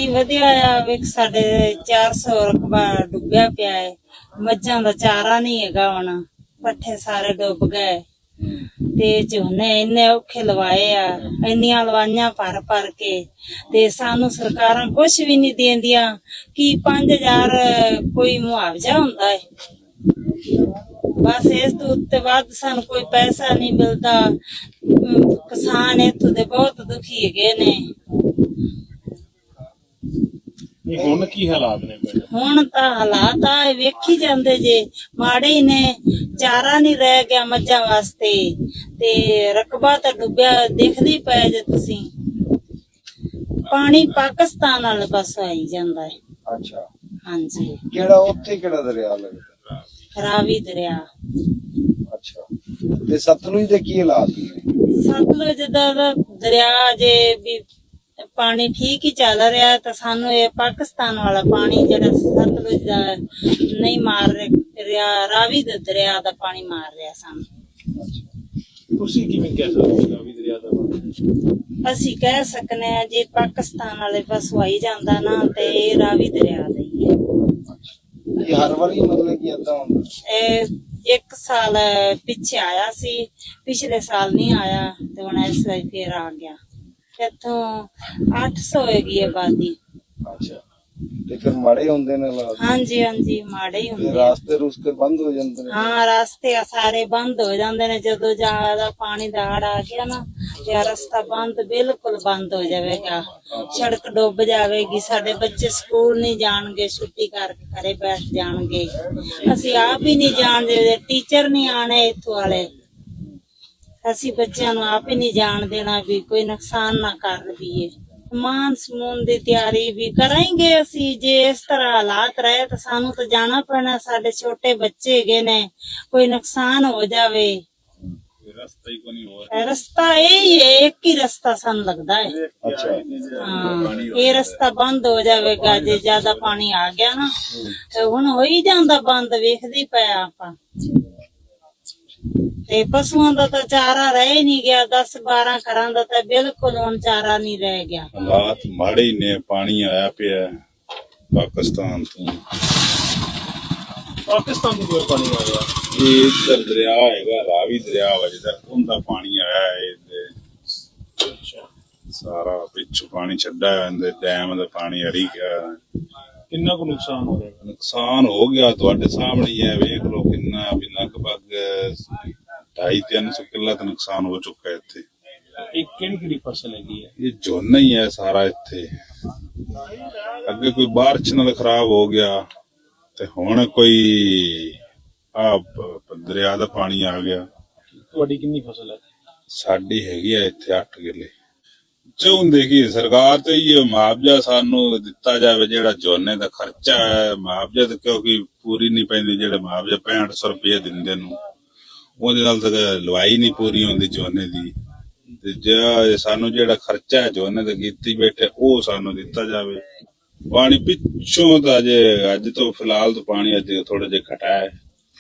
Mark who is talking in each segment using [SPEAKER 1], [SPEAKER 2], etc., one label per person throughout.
[SPEAKER 1] ਪਾਣੀ ਵਧਿਆ ਆ ਵੇਖ ਸਾਡੇ 400 ਰਕਬਾ ਡੁੱਬਿਆ ਪਿਆ ਹੈ। ਮੱਝਾਂ ਦਾ ਚਾਰਾ ਨਹੀਂ ਹੈਗਾ, ਹੁਣ ਪੱਠੇ ਸਾਰੇ ਡੁੱਬ ਗਏ ਤੇ ਝੋਨੇ ਇੰਨੇ ਔਖੇ ਲਵਾਏ ਆ, ਇੰਨੀਆਂ ਲਵਾਈਆਂ ਭਰ ਕੇ ਤੇ ਸਾਨੂੰ ਸਰਕਾਰਾਂ ਕੁਛ ਵੀ ਨਹੀਂ ਦੇਂਦੀਆਂ। ਕੀ 5000 ਕੋਈ ਮੁਆਵਜ਼ਾ ਹੁੰਦਾ ਹੈ, ਬਸ ਇਸ ਤੋਂ ਉੱਤੇ ਵੱਧ ਸਾਨੂੰ ਕੋਈ ਪੈਸਾ ਨਹੀਂ ਮਿਲਦਾ। ਕਿਸਾਨ ਇੱਥੋਂ ਦੇ ਬਹੁਤ ਦੁਖੀ ਹੈਗੇ ਨੇ।
[SPEAKER 2] ਹੁਣ ਕੀ ਹਾਲਾਤ ਨੇ?
[SPEAKER 1] ਹੁਣ ਤਾਂ ਹਾਲਾਤ ਆ ਵੇਖੀ ਜਾਂਦੇ ਜੇ, ਮਾੜੇ ਹੀ ਨੇ। ਚਾਰਾ ਨਹੀਂ ਰਹਿ ਗਿਆ ਮੱਝਾਂ ਵਾਸਤੇ ਤੇ ਰਕਬਾ ਤਾਂ ਡੁੱਬਿਆ ਦਿਖਦੀ ਪਏ ਜੇ ਤੁਸੀਂ। ਪਾਣੀ ਪਾਕਿਸਤਾਨ ਵਾਲੇ ਪਾਸੋਂ ਆਈ ਜਾਂਦਾ ਹੈ।
[SPEAKER 3] ਅੱਛਾ,
[SPEAKER 1] ਹਾਂਜੀ।
[SPEAKER 3] ਕਿਹੜਾ ਉੱਥੇ ਕਿਹੜਾ ਦਰਿਆ ਲੱਗਦਾ?
[SPEAKER 1] ਰਾਵੀ ਦਰਿਆ।
[SPEAKER 3] ਅੱਛਾ, ਤੇ ਸਤਲੁਜ ਦੇ ਕੀ ਹਾਲਾਤ ਨੇ?
[SPEAKER 1] ਸਤਲੁਜ ਦਾ ਦਰਿਆ ਜੇ ਵੀ ਪਾਣੀ ਠੀਕ ਹੀ ਚੱਲ ਰਿਹਾ, ਤਾਂ ਸਾਨੂੰ ਇਹ ਪਾਕਿਸਤਾਨ ਵਾਲਾ ਪਾਣੀ ਜਿਹੜਾ ਸਤਲੁਜ ਦਾ ਨਹੀਂ ਮਾਰ ਰਿਹਾ, ਰਾਵੀ ਦੇ ਦਰਿਆ ਦਾ ਪਾਣੀ ਮਾਰ ਰਿਹਾ ਸਾਨੂੰ।
[SPEAKER 2] ਤੁਸੀਂ ਕਿਵੇਂ ਕਹਿ ਸਕਦੇ ਹੋ ਰਾਵੀ ਦਰਿਆ ਦਾ ਪਾਣੀ?
[SPEAKER 1] ਅਸੀਂ ਕਹਿ ਸਕਨੇ ਆ ਜੇ ਪਾਕਿਸਤਾਨ ਵਾਲੇ ਪਾਸੋਂ ਆਈ ਜਾਂਦਾ ਨਾ ਤੇ ਇਹ ਰਾਵੀ ਦਰਿਆ ਦਾ ਹੀ ਹੈ।
[SPEAKER 3] ਇਹ ਹਰ ਵਾਰੀ ਮਤਲਬ ਕਿ ਏਦਾਂ ਹੁੰਦਾ?
[SPEAKER 1] ਇਹ 1 ਸਾਲ ਪਿੱਛੇ ਆਇਆ ਸੀ, ਪਿਛਲੇ ਸਾਲ ਨਹੀਂ ਆਇਆ ਤੇ ਹੁਣ ਇਸ ਵਾਰ ਫੇਰ ਆ ਗਿਆ। ਇੱਥੋਂ 800 ਹੈਗੀ ਆਬਾਦੀ।
[SPEAKER 3] ਅੱਛਾ, ਤੇ ਫਿਰ ਮਾੜੇ ਹੁੰਦੇ ਨੇ ਹਾਲਾਤ?
[SPEAKER 1] ਹਾਂਜੀ ਮਾੜੇ ਹੀ ਹੁੰਦੇ।
[SPEAKER 3] ਰਾਸਤੇ ਬੰਦ ਹੋ ਜਾਂਦੇ ਨੇ?
[SPEAKER 1] ਹਾਂ, ਰਾਸਤੇ ਸਾਰੇ ਬੰਦ ਹੋ ਜਾਂਦੇ ਨੇ। ਜਦੋਂ ਜ਼ਿਆਦਾ ਪਾਣੀ ਦਾ ਹੜ ਆ ਗਿਆ ਨਾ ਤੇ ਰਸਤਾ ਬਿਲਕੁਲ ਬੰਦ ਹੋ ਜਾਵੇਗਾ। ਸੜਕ ਡੁੱਬ ਜਾਵੇਗੀ। ਸਾਡੇ ਬੱਚੇ ਸਕੂਲ ਨਹੀਂ ਜਾਣਗੇ, ਛੁੱਟੀ ਕਰਕੇ ਘਰੇ ਬੈਠ ਜਾਣਗੇ। ਅਸੀਂ ਆਪ ਹੀ ਨਹੀਂ ਜਾਣਦੇ, ਟੀਚਰ ਨਹੀਂ ਆਣੇ ਇੱਥੋਂ ਵਾਲੇ। ਅਸੀਂ ਬੱਚਿਆਂ ਨੂੰ ਆਪ ਹੀ ਨਹੀਂ ਜਾਣ ਦੇਣਾ ਵੀ ਕੋਈ ਨੁਕਸਾਨ ਨਾ ਕਰ ਲਈਏ। ਸਮਾਨ ਸਮੂਨ ਦੀ ਤਿਆਰੀ ਵੀ ਕਰਾਂਗੇ ਅਸੀਂ। ਜੇ ਇਸ ਤਰ੍ਹਾਂ ਹਾਲਾਤ ਰਹੇ ਤਾਂ ਸਾਨੂੰ ਤਾਂ ਜਾਣਾ ਪੈਣਾ। ਸਾਡੇ ਛੋਟੇ ਬੱਚੇ ਹੈਗੇ ਨੇ, ਕੋਈ ਨੁਕਸਾਨ ਹੋ ਜਾਵੇ।
[SPEAKER 2] ਰਸਤਾ ਹੀ ਕੋਈ ਨਹੀਂ ਹੋਰ।
[SPEAKER 1] ਰਸਤਾ ਇਹ ਹੀ ਹੈ, ਇੱਕ ਹੀ ਰਸਤਾ ਸਾਨੂੰ ਲੱਗਦਾ ਹੈ।
[SPEAKER 3] ਅੱਛਾ,
[SPEAKER 1] ਹਾਂ, ਇਹ ਰਸਤਾ ਬੰਦ ਹੋ ਜਾਵੇਗਾ ਜੇ ਜ਼ਿਆਦਾ ਪਾਣੀ ਆ ਗਿਆ ਨਾ। ਤੇ ਹੁਣ ਹੋ ਹੀ ਜਾਂਦਾ ਬੰਦ, ਵੇਖਦੇ ਪਏ ਆਪਾਂ। ਤੇ ਪਸ਼ੂਆਂ ਦਾ ਤਾਂ ਚਾਰਾ ਰਹਿ ਨਹੀਂ ਗਿਆ। 10-12 ਘਰਾਂ ਦਾ ਤਾਂ ਬਿਲਕੁਲ ਹੁਣ ਚਾਰਾ ਨਹੀਂ ਰਹਿ ਗਿਆ।
[SPEAKER 4] ਹਾਲਾਤ ਮਾੜੇ ਹੀ ਨੇ। ਪਾਣੀ ਆਇਆ ਪਿਆ ਪਾਕਿਸਤਾਨ ਤੋਂ।
[SPEAKER 2] ਪਾਕਿਸਤਾਨ ਤੋਂ ਕੋਈ ਪਾਣੀ ਆ ਰਿਹਾ?
[SPEAKER 4] ਇਹ ਇੱਧਰ ਦਰਿਆ ਹੈਗਾ, ਰਾਵੀ ਦਰਿਆ ਵਜਦਾ, ਉਹਦਾ ਪਾਣੀ ਆਇਆ ਹੈ। ਸਾਰਾ ਪਿੱਛੋਂ ਪਾਣੀ ਛੱਡਾ ਹੈ, ਡੈਮ ਦਾ ਪਾਣੀ ਅੜੀ ਗਿਆ।
[SPEAKER 2] ਕਿੰਨਾ ਕੁ ਨੁਕਸਾਨ ਹੋ ਰਿਹਾ?
[SPEAKER 4] ਨੁਕਸਾਨ ਹੋ ਗਿਆ ਤੁਹਾਡੇ ਸਾਹਮਣੇ ਹੀ ਹੈ, ਵੇਖ ਲਓ ਕਿੰਨਾ ਵੀ ਲਗਭਗ 250-300 ਕਿੱਲਾ ਦਾ ਨੁਕਸਾਨ ਹੋ ਚੁੱਕਾ ਹੈ ਇੱਥੇ।
[SPEAKER 2] ਇਹ ਕਿਹੜੀ ਫਸਲ ਹੈਗੀ ਹੈ?
[SPEAKER 4] ਇਹ ਝੋਨਾ ਹੀ ਹੈ ਸਾਰਾ ਇੱਥੇ। ਅੱਗੇ ਕੋਈ ਬਾਰਿਸ਼ ਨਾਲ ਖਰਾਬ ਹੋ ਗਿਆ ਤੇ ਹੁਣ ਕੋਈ ਦਰਿਆ ਦਾ ਪਾਣੀ ਆ ਗਿਆ।
[SPEAKER 2] ਤੁਹਾਡੀ ਕਿੰਨੀ ਫਸਲ ਹੈ?
[SPEAKER 4] ਸਾਡੀ ਹੈਗੀ ਆ ਇੱਥੇ 8 ਕਿੱਲੇ। ਚਾਹੁੰਦੇ ਕਿ ਸਰਕਾਰ ਤੇ ਇਹ ਮੁਆਵਜ਼ਾ ਸਾਨੂੰ ਦਿੱਤਾ ਜਾਵੇ, ਜਿਹੜਾ ਝੋਨੇ ਦਾ ਖਰਚਾ ਹੈ। ਮੁਆਵਜ਼ਾ ਤਾਂ ਕਿਉਂਕਿ ਪੂਰੀ ਨਹੀਂ ਪੈਂਦੀ, ਜਿਹੜੇ ਮੁਆਵਜ਼ਾ 6500 ਰੁਪਏ ਦਿੰਦੇ ਨੂੰ, ਉਹਦੇ ਨਾਲ ਤਾਂ ਲਵਾਈ ਨਹੀਂ ਪੂਰੀ ਹੁੰਦੀ ਝੋਨੇ ਦੀ। ਤੇ ਜੇ ਸਾਨੂੰ ਜਿਹੜਾ ਖਰਚਾ ਹੈ ਝੋਨੇ ਦਾ ਕੀਤੀ ਬੈਠੇ, ਉਹ ਸਾਨੂੰ ਦਿੱਤਾ ਜਾਵੇ। ਪਾਣੀ ਪਿੱਛੋਂ ਤਾਂ ਅੱਜ ਤੋਂ ਫਿਲਹਾਲ ਤਾਂ ਪਾਣੀ ਅੱਜ ਥੋੜਾ ਜਿਹਾ ਘਟਾ ਹੈ,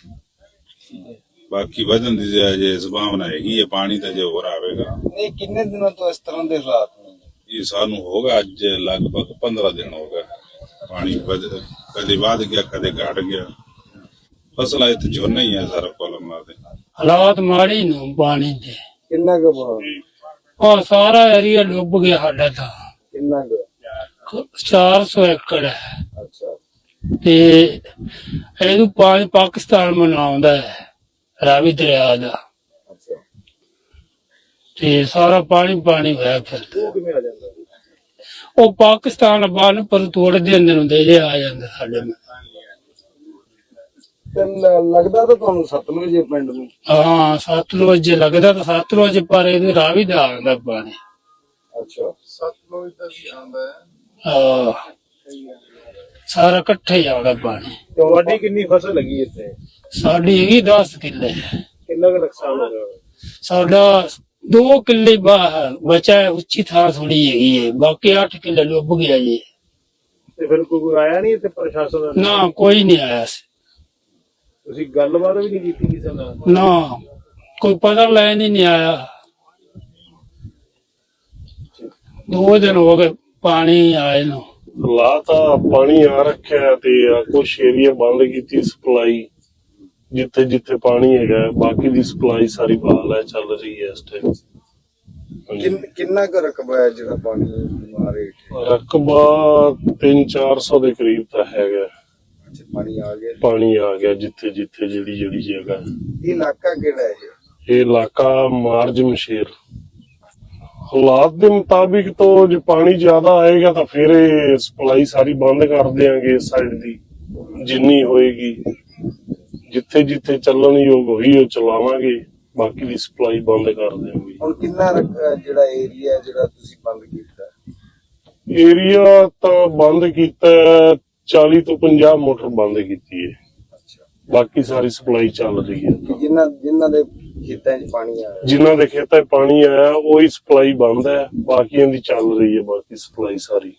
[SPEAKER 4] ਬਾਕੀ ਵਧਣ ਦੀ ਜੇ ਸੰਭਾਵਨਾ ਹੈਗੀ ਹੈ। ਪਾਣੀ ਤਾਂ ਜੇ ਹੋਰ ਆਵੇਗਾ।
[SPEAKER 3] ਇਹ ਕਿੰਨੇ ਦਿਨਾਂ ਤੋਂ ਇਸ ਤਰ੍ਹਾਂ ਦੇ ਹਾਲਾਤ ਨੇ?
[SPEAKER 4] ਇਹ ਸਾਨੂੰ ਹੋਗਾ ਅੱਜ ਲਗਭਗ 15 ਦਿਨ ਹੋ ਗਏ। ਪਾਣੀ ਕਦੇ ਵੱਧ ਗਿਆ, ਕਦੇ ਘਟ ਗਿਆ। ਫਸਲਾਂ ਇੱਥੇ ਝੋਨਾ ਹੀ ਹੈ ਸਾਰਾ ਕੋਲਮ ਦੇ।
[SPEAKER 5] ਹਾਲਾਤ ਮਾੜੇ ਨੂੰ ਪਾਣੀ ਦੇ।
[SPEAKER 3] ਕਿੰਨਾ ਕੁ?
[SPEAKER 5] ਉਹ ਸਾਰਾ ਏਰੀਆ ਡੁੱਬ ਗਿਆ ਸਾਡਾ ਤਾਂ।
[SPEAKER 3] ਕਿੰਨਾ ਕੁ?
[SPEAKER 5] 400 ਏਕੜ ਹੈ।
[SPEAKER 3] ਅੱਛਾ,
[SPEAKER 5] ਤੇ ਇਹਨੂੰ ਪਾਣੀ ਪਾਕਿਸਤਾਨ ਮਨਾਉਂਦਾ ਹੈ, ਰਾਵੀ ਦਰਿਆ ਦਾ।
[SPEAKER 3] ਅੱਛਾ,
[SPEAKER 5] ਤੇ ਸਾਰਾ ਪਾਣੀ ਹੋਇਆ ਫਿਰਦਾ।
[SPEAKER 3] ਉਹ ਕਿਵੇਂ ਆ ਜਾਂਦਾ?
[SPEAKER 5] ਉਹ ਪਾਕਿਸਤਾਨ ਬੰਨ ਪਰ ਤੋੜਦੇ ਅੰਦਰ ਦੇ ਆ ਜਾਂਦਾ ਸਾਡੇ ਨਾਲ।
[SPEAKER 3] ਤੇ ਲੱਗਦਾ ਤਾਂ ਤੁਹਾਨੂੰ ਸਤਲੁਜ ਪਿੰਡ ਨੂੰ?
[SPEAKER 5] ਹਾਂ, ਸਤਲੁਜ ਲੱਗਦਾ ਤਾਂ ਸਤਲੁਜ, ਪਰ ਇਹਦੇ ਰਾਵੀ ਦਾ ਆਉਂਦਾ ਪਾਣੀ।
[SPEAKER 3] ਅੱਛਾ,
[SPEAKER 6] ਸਤਲੁਜ ਦਾ ਵੀ ਆਉਂਦਾ ਹੈ।
[SPEAKER 5] ਹਾਂ, ਸਾਰਾ ਇਕੱਠੇ ਹੀ ਆਉਂਦਾ ਪਾਣੀ।
[SPEAKER 2] ਤੁਹਾਡੀ ਕਿੰਨੀ ਫਸਲ ਲੱਗੀ ਇੱਥੇ?
[SPEAKER 5] ਸਾਡੀ ਹੈਗੀ 10 ਕਿੱਲੇ।
[SPEAKER 2] ਕਿੰਨਾ ਕੁ ਨੁਕਸਾਨ ਹੋ ਗਿਆ?
[SPEAKER 5] ਸਾਡਾ 2 ਕਿੱਲੇ ਬਚਾ ਹੈ, ਉੱਚੀ ਥਾਂ ਥੋੜੀ ਹੈਗੀ ਹੈ, ਬਾਕੀ 8 ਕਿੱਲੇ ਡੁੱਬ ਗਿਆ ਜੀ।
[SPEAKER 2] ਤੇ ਫਿਰ ਕੋਈ ਆਇਆ ਨਹੀਂ ਇੱਥੇ ਪ੍ਰਸ਼ਾਸਨ ਦਾ?
[SPEAKER 5] ਨਾ, ਕੋਈ ਨਹੀਂ ਆਇਆ ਸੀ।
[SPEAKER 2] ਤੁਸੀਂ ਗੱਲਬਾਤ ਵੀ ਨਹੀਂ ਕੀਤੀ ਕਿਸੇ ਨਾਲ?
[SPEAKER 5] ਨਾ, ਕੋਈ ਪਤਾ ਲੈਣ ਹੀ ਨਹੀਂ ਆਇਆ। 2 ਦਿਨ ਹੋ ਗਏ ਪਾਣੀ ਆਏ ਨੂੰ।
[SPEAKER 7] ਹਾਲਾਤ ਆ ਪਾਣੀ ਆ ਰੱਖਿਆ ਤੇ ਕੁਛ ਏਰੀਆ ਬੰਦ ਕੀਤੀ ਸਪਲਾਈ ਜਿੱਥੇ ਜਿੱਥੇ ਪਾਣੀ ਹੈਗਾ, ਬਾਕੀ ਦੀ ਸਪਲਾਈ ਸਾਰੀ ਬਹਾਲ ਹੈ, ਚੱਲ ਰਹੀ ਹੈ ਇਸ ਟਾਈਮ।
[SPEAKER 3] ਕਿੰਨਾ ਕੁ ਰਕਬਾ ਹੈ ਜਿਹੜਾ ਪਾਣੀ ਮਾਰੇ?
[SPEAKER 7] ਰਕਬਾ 300-400 ਦੇ ਕਰੀਬ ਤਾਂ ਹੈਗਾ।
[SPEAKER 3] ਅੱਛਾ, ਪਾਣੀ ਆ ਗਿਆ
[SPEAKER 7] ਜਿੱਥੇ ਜਿੱਥੇ ਜਿਹੜੀ ਜਗ੍ਹਾ।
[SPEAKER 3] ਇਹ ਇਲਾਕਾ ਕਿਹੜਾ ਹੈ?
[SPEAKER 7] ਇਹ ਇਲਾਕਾ ਮਾਰਜਮ ਸ਼ੇਰ। ਹਾਲਾਤ ਦੇ ਮੁਤਾਬਿਕ ਤੋਂ ਜੇ ਪਾਣੀ ਜ਼ਿਆਦਾ ਆਏਗਾ ਤਾਂ ਫਿਰ ਇਹ ਸਪਲਾਈ ਸਾਰੀ ਬੰਦ ਕਰ ਦਿਆਂਗੇ ਇਸ ਸਾਈਡ ਦੀ, ਜਿੰਨੀ ਹੋਏਗੀ। ਜਿੱਥੇ ਜਿੱਥੇ ਚੱਲਣ ਯੋਗ ਹੋਈ ਉਹ ਚਲਾਵਾਂਗੇ, ਬਾਕੀ ਦੀ ਸਪਲਾਈ ਬੰਦ ਕਰ ਦਿਆਂਗੇ।
[SPEAKER 3] ਹੁਣ ਕਿੰਨਾ ਜਿਹੜਾ ਏਰੀਆ ਜਿਹੜਾ ਤੁਸੀਂ ਬੰਦ ਕੀਤਾ?
[SPEAKER 7] ਏਰੀਆ ਤਾਂ ਬੰਦ ਕੀਤਾ 40 ਤੋਂ 50 ਮੋਟਰ ਬੰਦ ਕੀਤੀ ਹੈ। ਬਾਕੀ ਸਾਰੀ ਸਪਲਾਈ ਚੱਲ ਰਹੀ ਹੈ।
[SPEAKER 3] ਜਿਨ੍ਹਾਂ ਦੇ ਖੇਤਾਂ 'ਚ ਪਾਣੀ ਆਇਆ,
[SPEAKER 7] ਜਿਨ੍ਹਾਂ ਦੇ ਖੇਤਾਂ 'ਚ ਪਾਣੀ ਆਇਆ ਉਹੀ ਸਪਲਾਈ ਬੰਦ ਹੈ, ਬਾਕੀਆਂ ਦੀ ਚੱਲ ਰਹੀ ਹੈ ਬਾਕੀ ਸਪਲਾਈ ਸਾਰੀ।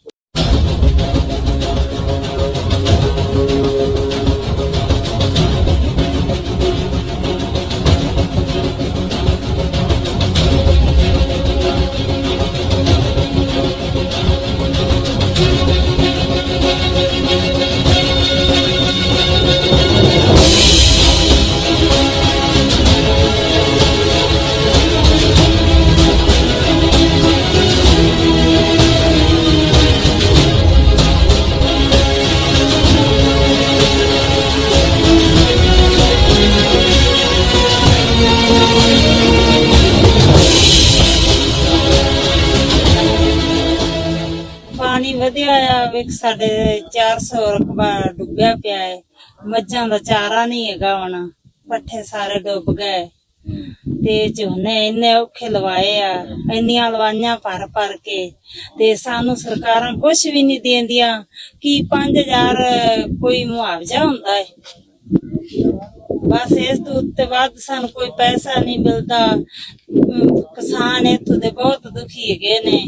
[SPEAKER 1] ਪਾਣੀ ਵਧਿਆ ਆ, ਵੇਖ ਸਾਡੇ 400 ਰਕਬਾ ਡੁੱਬਿਆ ਪਿਆ ਹੈ। ਮੱਝਾਂ ਦਾ ਚਾਰਾ ਨਹੀਂ ਹੈਗਾ, ਹੁਣ ਪੱਠੇ ਸਾਰੇ ਡੁੱਬ ਗਏ ਤੇ ਝੋਨੇ ਇੰਨੇ ਔਖੇ ਲਵਾਏ ਆ, ਇੰਨੀਆਂ ਲਵਾਈਆਂ ਭਰ ਕੇ ਤੇ ਸਾਨੂੰ ਸਰਕਾਰਾਂ ਕੁਛ ਵੀ ਨਹੀਂ ਦਿੰਦੀਆਂ। ਕੀ 5000 ਕੋਈ ਮੁਆਵਜ਼ਾ ਹੁੰਦਾ ਹੈ? ਬਸ ਇਸ ਤੋਂ ਉੱਤੇ ਵੱਧ ਸਾਨੂੰ ਕੋਈ ਪੈਸਾ ਨਹੀਂ ਮਿਲਦਾ। ਕਿਸਾਨ ਇੱਥੋਂ ਦੇ ਬਹੁਤ ਦੁਖੀ ਹੈਗੇ ਨੇ।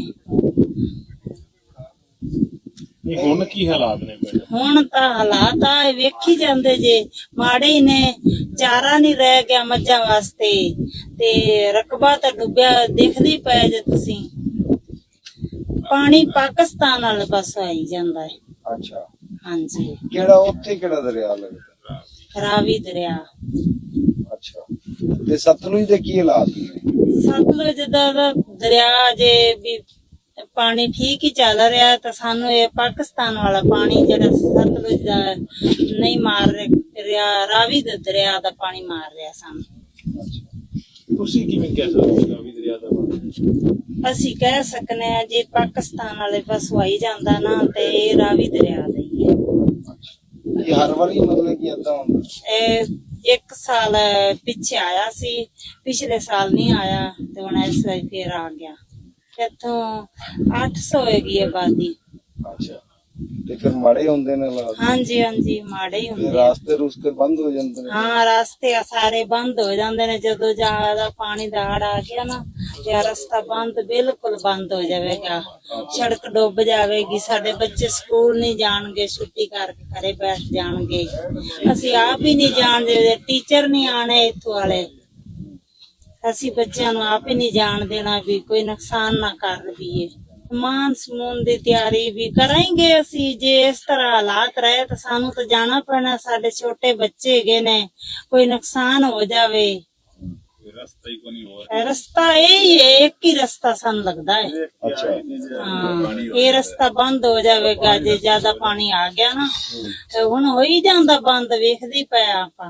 [SPEAKER 2] ਹੁਣ ਕੀ ਹਾਲਾਤ ਨੇ?
[SPEAKER 1] ਹੁਣ ਤਾਂ ਹਾਲਾਤ ਆ ਵੇਖੀ ਜਾਂਦੇ ਜੇ, ਮਾੜੇ ਹੀ ਨੇ। ਚਾਰਾ ਨਹੀਂ ਰਹਿ ਗਿਆ ਮੱਝਾਂ ਵਾਸਤੇ ਤੇ ਰਕਬਾ ਤਾਂ ਡੁੱਬਿਆ ਦਿਖਦੀ ਪਏ ਜੇ ਤੁਸੀਂ। ਪਾਣੀ ਪਾਕਿਸਤਾਨ ਵਾਲੇ ਪਾਸੋਂ ਆਈ ਜਾਂਦਾ ਹੈ।
[SPEAKER 3] ਅੱਛਾ,
[SPEAKER 1] ਹਾਂਜੀ।
[SPEAKER 3] ਕਿਹੜਾ ਦਰਿਆ ਲੱਗਦਾ?
[SPEAKER 1] ਰਾਵੀ ਦਰਿਆ।
[SPEAKER 3] ਅੱਛਾ, ਤੇ ਸਤਲੁਜ ਦੇ ਕੀ ਹਾਲਾਤ ਨੇ?
[SPEAKER 1] ਸਤਲੁਜ ਦਾ ਦਰਿਆ ਜੇ ਵੀ ਪਾਣੀ ਠੀਕ ਹੀ ਚੱਲ ਰਿਹਾ, ਤਾਂ ਸਾਨੂੰ ਇਹ ਪਾਕਿਸਤਾਨ ਵਾਲਾ ਪਾਣੀ ਜਿਹੜਾ ਸਤਲੁਜ ਦਾ ਨਹੀਂ ਮਾਰ ਰਿਹਾ, ਰਾਵੀ ਦੇ ਦਰਿਆ ਦਾ ਪਾਣੀ ਮਾਰ ਰਿਹਾ ਸਾਨੂੰ।
[SPEAKER 2] ਤੁਸੀਂ ਕਿਵੇਂ ਕਹਿ ਸਕਦੇ ਹੋ ਰਾਵੀ ਦਰਿਆ ਦਾ ਪਾਣੀ?
[SPEAKER 1] ਅਸੀਂ ਕਹਿ ਸਕਨੇ ਆ ਜੇ ਪਾਕਿਸਤਾਨ ਵਾਲੇ ਪਾਸੋਂ ਆਈ ਜਾਂਦਾ ਨਾ ਤੇ ਇਹ ਰਾਵੀ ਦਰਿਆ ਦਾ ਹੀ ਹੈ।
[SPEAKER 3] ਇਹ ਹਰ ਵਾਰੀ ਮਤਲਬ ਕਿ ਏਦਾਂ ਹੁੰਦਾ?
[SPEAKER 1] ਇਹ 1 ਸਾਲ ਪਿੱਛੇ ਆਇਆ ਸੀ, ਪਿਛਲੇ ਸਾਲ ਨਹੀਂ ਆਇਆ ਤੇ ਹੁਣ ਇਸ ਵਾਰ ਫੇਰ ਆ ਗਿਆ। ਇੱਥੋਂ 800 ਹੈਗੀ ਆਬਾਦੀ।
[SPEAKER 3] ਅੱਛਾ, ਤੇ ਫਿਰ ਮਾੜੇ ਹੁੰਦੇ ਨੇ ਹਾਲਾਤ?
[SPEAKER 1] ਹਾਂਜੀ, ਮਾੜੇ ਹੀ ਹੁੰਦੇ।
[SPEAKER 3] ਰਾਸਤੇ ਬੰਦ ਹੋ ਜਾਂਦੇ ਨੇ?
[SPEAKER 1] ਹਾਂ, ਰਾਸਤੇ ਸਾਰੇ ਬੰਦ ਹੋ ਜਾਂਦੇ ਨੇ। ਜਦੋਂ ਜ਼ਿਆਦਾ ਪਾਣੀ ਦਾ ਹੜ ਆ ਗਿਆ ਨਾ ਤੇ ਰਸਤਾ ਬਿਲਕੁਲ ਬੰਦ ਹੋ ਜਾਵੇਗਾ। ਸੜਕ ਡੁੱਬ ਜਾਵੇਗੀ। ਸਾਡੇ ਬੱਚੇ ਸਕੂਲ ਨਹੀਂ ਜਾਣਗੇ, ਛੁੱਟੀ ਕਰਕੇ ਘਰੇ ਬੈਠ ਜਾਣਗੇ। ਅਸੀਂ ਆਪ ਹੀ ਨਹੀਂ ਜਾਣਦੇ, ਟੀਚਰ ਨਹੀਂ ਆਣੇ ਇੱਥੋਂ ਵਾਲੇ। ਅਸੀਂ ਬੱਚਿਆਂ ਨੂੰ ਆਪ ਹੀ ਨਹੀਂ ਜਾਣ ਦੇਣਾ ਵੀ ਕੋਈ ਨੁਕਸਾਨ ਨਾ ਕਰ ਦਈਏ। ਮਾਨਸੂਨ ਦੀ ਤਿਆਰੀ ਵੀ ਕਰਾਂਗੇ ਅਸੀਂ। ਜੇ ਇਸ ਤਰ੍ਹਾਂ ਹਾਲਾਤ ਰਹੇ ਤਾਂ ਸਾਨੂੰ ਤਾਂ ਜਾਣਾ ਪੈਣਾ। ਸਾਡੇ ਛੋਟੇ ਬੱਚੇ ਹੈਗੇ ਨੇ, ਕੋਈ ਨੁਕਸਾਨ ਹੋ ਜਾਵੇ।
[SPEAKER 4] ਰਸਤਾ ਹੀ ਕੋਈ ਨਹੀਂ ਹੋਰ।
[SPEAKER 1] ਰਸਤਾ ਇਹ ਹੈ, ਇੱਕ ਹੀ ਰਸਤਾ ਸਾਨੂੰ ਲੱਗਦਾ ਹੈ।
[SPEAKER 3] ਅੱਛਾ,
[SPEAKER 1] ਹਾਂ, ਇਹ ਰਸਤਾ ਬੰਦ ਹੋ ਜਾਵੇਗਾ ਜੇ ਜ਼ਿਆਦਾ ਪਾਣੀ ਆ ਗਿਆ ਨਾ। ਤੇ ਹੁਣ ਹੋ ਹੀ ਜਾਂਦਾ ਬੰਦ, ਵੇਖਦੇ ਪਿਆ ਆਪਾਂ।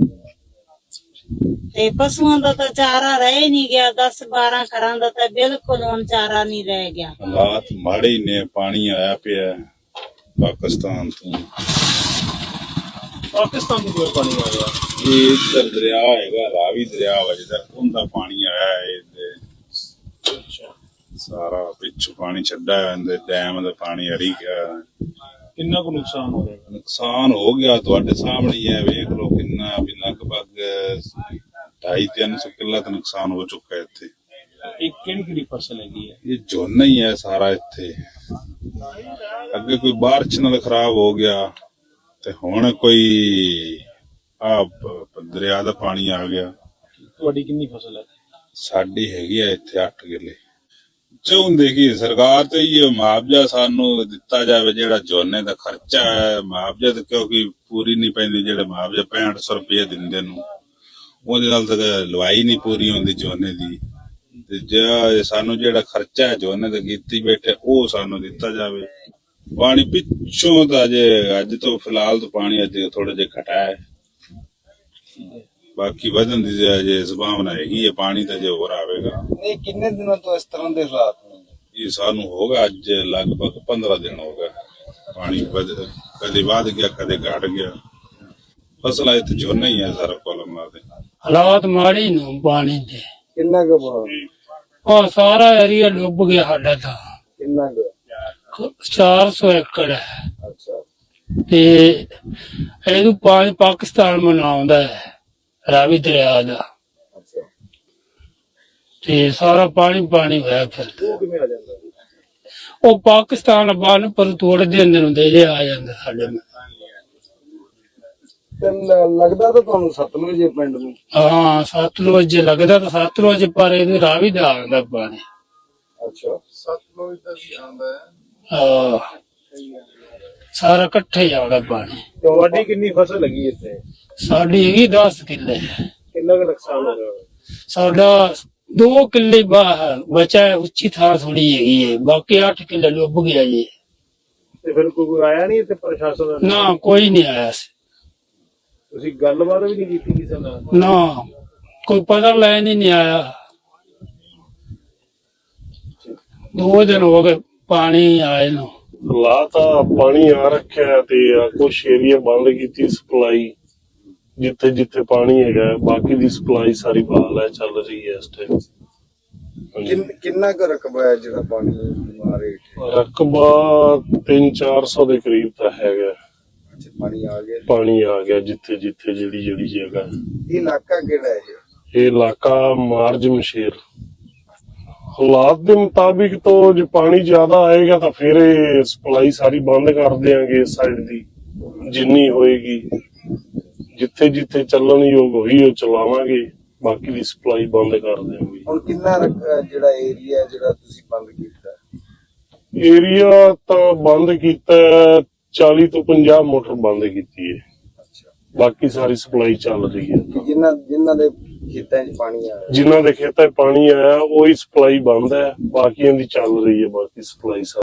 [SPEAKER 1] ਤੇ ਪਸ਼ੂਆਂ ਦਾ ਤਾਂ ਚਾਰਾ ਰਹਿ ਨਹੀਂ ਗਿਆ। 10-12 ਘਰਾਂ ਦਾ ਤਾਂ ਬਿਲਕੁਲ ਹੁਣ ਚਾਰਾ ਨਹੀਂ ਰਹਿ ਗਿਆ।
[SPEAKER 4] ਹਾਲਾਤ ਮਾੜੇ ਹੀ ਨੇ। ਪਾਣੀ ਆਇਆ ਪਿਆ ਪਾਕਿਸਤਾਨ ਤੋਂ।
[SPEAKER 2] ਪਾਕਿਸਤਾਨ ਤੋਂ ਕਿਵੇਂ ਪਾਣੀ ਆ ਗਿਆ?
[SPEAKER 4] ਇਹ ਇੱਧਰ ਦਰਿਆ ਹੈਗਾ, ਰਾਵੀ ਦਰਿਆ ਵਜਦਾ, ਉਹਦਾ ਪਾਣੀ ਆਇਆ ਹੈ। ਸਾਰਾ ਪਿੱਛੋਂ ਪਾਣੀ ਛੱਡਾ ਇਹਦੇ ਡੈਮ ਦਾ ਪਾਣੀ ਹਰੀ ਗਿਆ।
[SPEAKER 2] ਕਿੰਨਾ ਕੁ ਨੁਕਸਾਨ ਹੋ ਗਿਆ?
[SPEAKER 4] ਨੁਕਸਾਨ ਹੋ ਗਿਆ ਤੁਹਾਡੇ ਸਾਹਮਣੇ ਹੀ ਹੈ, ਵੇਖ ਲਓ ਕਿੰਨਾ ਵੀ ਲਗਭਗ 250-300 ਕਿੱਲਾ ਤਾਂ ਨੁਕਸਾਨ ਹੋ ਚੁੱਕਾ ਇੱਥੇ।
[SPEAKER 2] ਇਹ ਕਿਹੜੀ ਫਸਲ ਹੈਗੀ ਹੈ?
[SPEAKER 4] ਇਹ ਝੋਨਾ ਹੀ ਹੈ ਸਾਰਾ ਇੱਥੇ। ਅੱਗੇ ਕੋਈ ਬਾਰਿਸ਼ ਨਾਲ ਖਰਾਬ ਹੋ ਗਿਆ ਤੇ ਹੁਣ ਕੋਈ ਦਰਿਆ ਦਾ ਪਾਣੀ ਆ ਗਿਆ।
[SPEAKER 2] ਤੁਹਾਡੀ ਕਿੰਨੀ ਫਸਲ ਹੈ?
[SPEAKER 4] ਸਾਡੀ ਹੈਗੀ ਆ ਇੱਥੇ 8 ਕਿੱਲੇ। ਚਾਹੁੰਦੇ ਕਿ ਸਰਕਾਰ ਤੇ ਇਹ ਮੁਆਵਜ਼ਾ ਸਾਨੂੰ ਦਿੱਤਾ ਜਾਵੇ, ਜਿਹੜਾ ਝੋਨੇ ਦਾ ਖਰਚਾ ਹੈ ਮੁਆਵਜ਼ਾ ਤੇ ਕਿਉਂਕਿ ਪੂਰੀ ਨਹੀਂ ਪੈਂਦੀ, ਜਿਹੜੇ ਮੁਆਵਜ਼ਾ 6500 ਰੁਪਏ ਦਿੰਦੇ ਨੂੰ ਉਹਦੇ ਨਾਲ ਤਾਂ ਲਵਾਈ ਨਹੀਂ ਪੂਰੀ ਹੁੰਦੀ ਝੋਨੇ ਦੀ, ਤੇ ਜੇ ਸਾਨੂੰ ਜਿਹੜਾ ਖਰਚਾ ਹੈ ਝੋਨੇ ਦਾ ਕੀਤੀ ਬੈਠੇ ਉਹ ਸਾਨੂੰ ਦਿੱਤਾ ਜਾਵੇ। ਪਾਣੀ ਪਿੱਛੋਂ ਤਾਂ ਜੇ ਅੱਜ ਤੋਂ ਫਿਲਹਾਲ ਤਾਂ ਪਾਣੀ ਅੱਜ ਥੋੜਾ ਜਿਹਾ ਘਟਾ ਹੈ, ਬਾਕੀ ਵਧਣ ਦੀ ਜੇ ਸੰਭਾਵਨਾ ਹੈਗੀ ਹੈ, ਪਾਣੀ ਤਾਂ ਜੇ ਹੋਰ ਆਵੇਗਾ।
[SPEAKER 3] ਨਹੀਂ, ਕਿੰਨੇ ਦਿਨਾਂ ਤੋਂ ਇਸ ਤਰ੍ਹਾਂ ਦੇ ਹਾਲਾਤ ਨੇ?
[SPEAKER 4] ਇਹ ਸਾਨੂੰ ਹੋਗਾ ਅੱਜ ਲਗਭਗ 15 ਦਿਨ ਹੋ ਗਏ। ਪਾਣੀ ਕਦੇ ਵੱਧ ਗਿਆ ਕਦੇ ਘਟ ਗਿਆ। ਫਸਲਾਂ ਇੱਥੇ ਝੋਨਾ ਹੀ ਹੈ ਸਾਰਾ ਕੋਲਮ ਦੇ
[SPEAKER 5] ਹਾਲਾਤ ਮਾੜੇ ਨੂੰ ਪਾਣੀ ਦੇ।
[SPEAKER 3] ਕਿੰਨਾ ਕੁ ਪਾਣੀ?
[SPEAKER 5] ਉਹ ਸਾਰਾ ਏਰੀਆ ਡੁੱਬ ਗਿਆ ਸਾਡਾ ਤਾਂ।
[SPEAKER 3] ਕਿੰਨਾ ਕੁ?
[SPEAKER 5] 400 ਏਕੜ ਹੈ
[SPEAKER 3] ਅੱਛਾ।
[SPEAKER 5] ਤੇ ਇਹਨੂੰ ਪਾਣੀ ਪਾਕਿਸਤਾਨ ਮਨਾਉਂਦਾ ਹੈ, ਰਾਵੀ ਦਰਿਆ ਦਾ।
[SPEAKER 3] ਅੱਛਾ।
[SPEAKER 5] ਤੇ ਸਾਰਾ ਪਾਣੀ ਪਾਣੀ ਹੋਇਆ ਫਿਰਦਾ।
[SPEAKER 2] ਉਹ ਕਿਵੇਂ ਆ ਜਾਂਦਾ?
[SPEAKER 5] ਉਹ ਪਾਕਿਸਤਾਨ ਬੰਨ ਪਰ ਤੋੜ ਦੇ ਨੂੰ ਦੇ ਆ ਜਾਂਦਾ ਸਾਡੇ ਨਾਲ।
[SPEAKER 3] ਤੇ ਲੱਗਦਾ ਤਾਂ ਤੁਹਾਨੂੰ ਸਤਲੁਜ ਦੇ ਪਿੰਡ ਨੂੰ?
[SPEAKER 5] ਹਾਂ, ਸਤਲੁਜ ਲੱਗਦਾ ਤਾਂ ਸਤਲੁਜ, ਪਰ ਇਹਦੇ ਰਾਵੀ ਦਾ ਆਉਂਦਾ ਪਾਣੀ।
[SPEAKER 3] ਅੱਛਾ।
[SPEAKER 6] ਸਤਲੁਜ ਦਾ ਵੀ ਆਉਂਦਾ ਹੈ।
[SPEAKER 5] ਸਾਰਾ ਇਕੱਠੇ ਹੀ ਆਉਂਦਾ ਪਾਣੀ।
[SPEAKER 2] ਤੁਹਾਡੀ ਕਿੰਨੀ ਫਸਲ ਲੱਗੀ ਇੱਥੇ?
[SPEAKER 5] ਸਾਡੀ ਹੈਗੀ 10 ਕਿੱਲੇ।
[SPEAKER 2] ਕਿੰਨਾ ਕੁ ਨੁਕਸਾਨ ਹੋ ਗਿਆ?
[SPEAKER 5] ਸਾਡਾ 2 ਕਿੱਲੇ ਬਚਾ ਹੈ, ਉੱਚੀ ਥਾਂ ਥੋੜੀ ਹੈਗੀ ਹੈ, ਬਾਕੀ 8 ਕਿੱਲੇ ਡੁੱਬ ਗਿਆ ਜੀ।
[SPEAKER 2] ਤੇ ਫਿਰ ਕੋਈ ਆਇਆ ਨਹੀਂ ਇੱਥੇ ਪ੍ਰਸ਼ਾਸਨ ਦਾ?
[SPEAKER 5] ਨਾ, ਕੋਈ ਨਹੀਂ ਆਇਆ ਸੀ।
[SPEAKER 2] ਤੁਸੀਂ ਗੱਲਬਾਤ ਵੀ ਨਹੀਂ ਕੀਤੀ ਕਿਸੇ ਨਾਲ?
[SPEAKER 5] ਨਾ, ਕੋਈ ਪਤਾ ਲੈਣ ਹੀ ਨਹੀਂ ਆਇਆ। 2 ਦਿਨ ਹੋ ਗਏ ਪਾਣੀ ਆਏ ਨੂੰ।
[SPEAKER 7] ਲਾ ਤਾਂ ਪਾਣੀ ਆ ਰੱਖਿਆ ਤੇ ਕੁਛ ਏਰੀਆ ਬੰਦ ਕੀਤੀ ਸਪਲਾਈ, ਜਿੱਥੇ ਜਿੱਥੇ ਪਾਣੀ ਹੈਗਾ, ਬਾਕੀ ਦੀ ਸਪਲਾਈ ਸਾਰੀ ਬਹਾਲ ਹੈ, ਚੱਲ ਰਹੀ ਹੈ ਇਸ ਟਾਈਮ।
[SPEAKER 3] ਕਿੰਨਾ ਕੁ ਰਕਬਾ ਹੈ ਜਿਹੜਾ ਪਾਣੀ ਮਾਰੇ?
[SPEAKER 7] ਰਕਬਾ 300-400 ਦੇ ਕਰੀਬ ਤਾਂ ਹੈਗਾ।
[SPEAKER 3] ਅੱਛਾ, ਪਾਣੀ ਆ ਗਿਆ।
[SPEAKER 7] ਪਾਣੀ ਆ ਗਿਆ ਜਿੱਥੇ ਜਿੱਥੇ ਜਿਹੜੀ ਜਗ੍ਹਾ।
[SPEAKER 3] ਇਹ ਇਲਾਕਾ ਕਿਹੜਾ ਹੈ?
[SPEAKER 7] ਇਹ ਇਲਾਕਾ ਮਾਰਜ ਮਸ਼ੇਰ। ਹਾਲਾਤ ਦੇ ਮੁਤਾਬਿਕ ਤੋਂ ਜੇ ਪਾਣੀ ਜ਼ਿਆਦਾ ਆਏਗਾ ਤਾਂ ਫਿਰ ਇਹ ਸਪਲਾਈ ਸਾਰੀ ਬੰਦ ਕਰ ਦਿਆਂਗੇ ਇਸ ਸਾਈਡ ਦੀ, ਜਿੰਨੀ ਹੋਏਗੀ। ਜਿੱਥੇ ਜਿੱਥੇ ਚੱਲਣ ਯੋਗ ਹੋਈ ਉਹ ਚਲਾਵਾਂਗੇ, ਬਾਕੀ ਦੀ ਸਪਲਾਈ ਬੰਦ ਕਰ ਦਿਆਂਗੇ।
[SPEAKER 3] ਹੁਣ ਕਿੰਨਾ ਜਿਹੜਾ ਏਰੀਆ ਜਿਹੜਾ ਤੁਸੀਂ ਬੰਦ ਕੀਤਾ?
[SPEAKER 7] ਏਰੀਆ ਤਾਂ ਬੰਦ ਕੀਤਾ 40 ਤੋਂ 50 ਮੋਟਰ ਬੰਦ ਕੀਤੀ ਹੈ।
[SPEAKER 3] ਅੱਛਾ।
[SPEAKER 7] ਬਾਕੀ ਸਾਰੀ ਸਪਲਾਈ ਚੱਲ ਰਹੀ ਹੈ।
[SPEAKER 3] ਜਿਨ੍ਹਾਂ ਦੇ ਖੇਤਾਂ 'ਚ ਪਾਣੀ ਆਇਆ?
[SPEAKER 7] ਜਿਨ੍ਹਾਂ ਦੇ ਖੇਤਾਂ 'ਚ ਪਾਣੀ ਆਇਆ ਉਹੀ ਸਪਲਾਈ ਬੰਦ ਹੈ, ਬਾਕੀਆਂ ਦੀ ਚੱਲ ਰਹੀ ਹੈ, ਬਾਕੀ ਸਪਲਾਈ